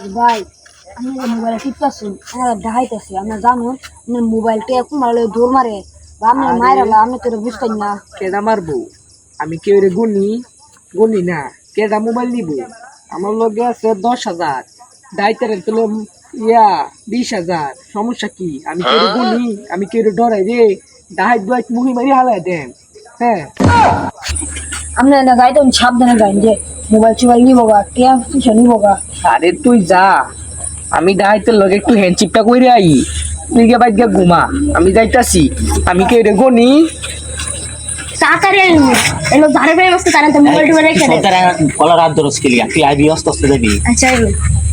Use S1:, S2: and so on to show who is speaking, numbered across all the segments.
S1: ভাই আমি মোবাইলে টিপতেছি আমার দেখাইতেছি আমরা জানো মোবাইলটা কুমার দৌড় মারে বা আমি মায়েরা আমি তোর বুঝতাম না।
S2: কেডা মারবো আমি কেউ রে গুনি না কেডা মোবাইল নিব আমার লগে আছে 10,000 দায়িত্বের তুলে 20,000 সমস্যা কি আমি কেউ গুনি আমি কেউ ডরাই রে দাহাই মুহি মারি হালাই দেন। হ্যাঁ
S1: আমি না গাইতে সাবধানে গাইন যে মোবাইল চোবাইল নিবো গা কে কিছু নিবো গা।
S2: আরে তুই যা আমি দাহাইতের লগে একটু হ্যান্ডচিপটা কইরে আই তুই গে বাইক গিয়া ঘুমা আমি যাইতাছি আমি কেউ রে গুনি
S1: তাড়াতাড়ি এলো ধারে ফেলে বসতে তারা তো মোবাইল টোবাইল রেখে দে।
S3: সরকার কলার হাত ধরস কি লিয়া তুই আইবি অস্ত অস্ত যাবি
S1: আচ্ছা এলো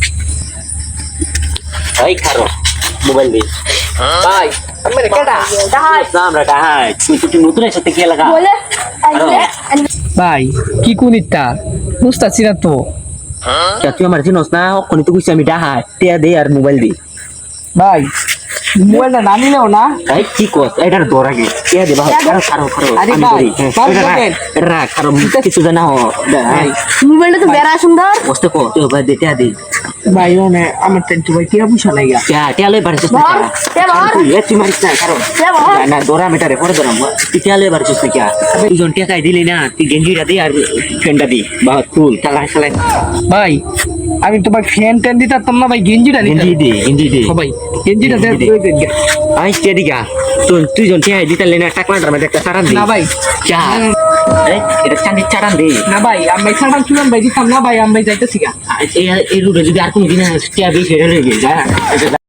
S3: এই খারো মোবাইল দে
S2: ভাই আমি কেডা
S3: আমরা ডাহাই তুই নতুন এসে থেকে লাগা
S1: বলে
S2: ভাই কি কুনিতা বুঝতাছি না তো।
S3: তুই আমার চিনস না ওখানে তো কইছি আমি ডাহাই টিয়া দে আর মোবাইল দে
S2: ভাই মোবাইলটা না নিলেও না।
S3: এই কি কস এটার দর আগে টিয়া দে খারো খারো খারো
S2: আরে
S3: আমি
S2: ভাই,
S3: ধরি
S2: ভাই,
S3: এটা
S2: দেখেন।
S3: রাখ খারো কিছু জানা হ
S2: ভাই
S1: মোবাইলটা তো বেড়া সুন্দর
S3: বসতে কো তুই ভাই দে টিয়া দে
S2: ভাই মানে আমার টেন্টু ভাই কিরা বুঝা লাগা
S3: টিয়া লই বাড়িছিস না
S1: ধর তে ধর
S3: তুই তুই মারিস না খারো
S1: তে ধর
S3: না দরা মেটারে পরে দরা তুই টিয়া লই বাড়িছিস না কিয়া তুই জন টিয়া খাই দিলি না তুই গেঞ্জিটা দে আর ফ্রেন্ডটা দি বহুত কুল খেলা খেলা
S2: ভাই আমি তোমার ফ্যান ট্যান দিতাম না ভাই গেঞ্জিটা
S3: গেঞ্জি দে গেঞ্জি দে
S2: ভাই গেঞ্জিটা
S3: গেঞ্জি দে। আই টিয়া দিগা তুই জন টিয়া দিতে লেনা টাকলাটার মধ্যে একটা চারান দে
S2: না ভাই
S3: চা এটা চান্দি চারান দে
S2: না ভাই আমি ছাড়ান চুলান ভাই দিতাম না ভাই আমি যাইতেছি গা।
S3: এই রুটে যদি আর কোনো দিন টিয়া বেশি হয়ে গেছে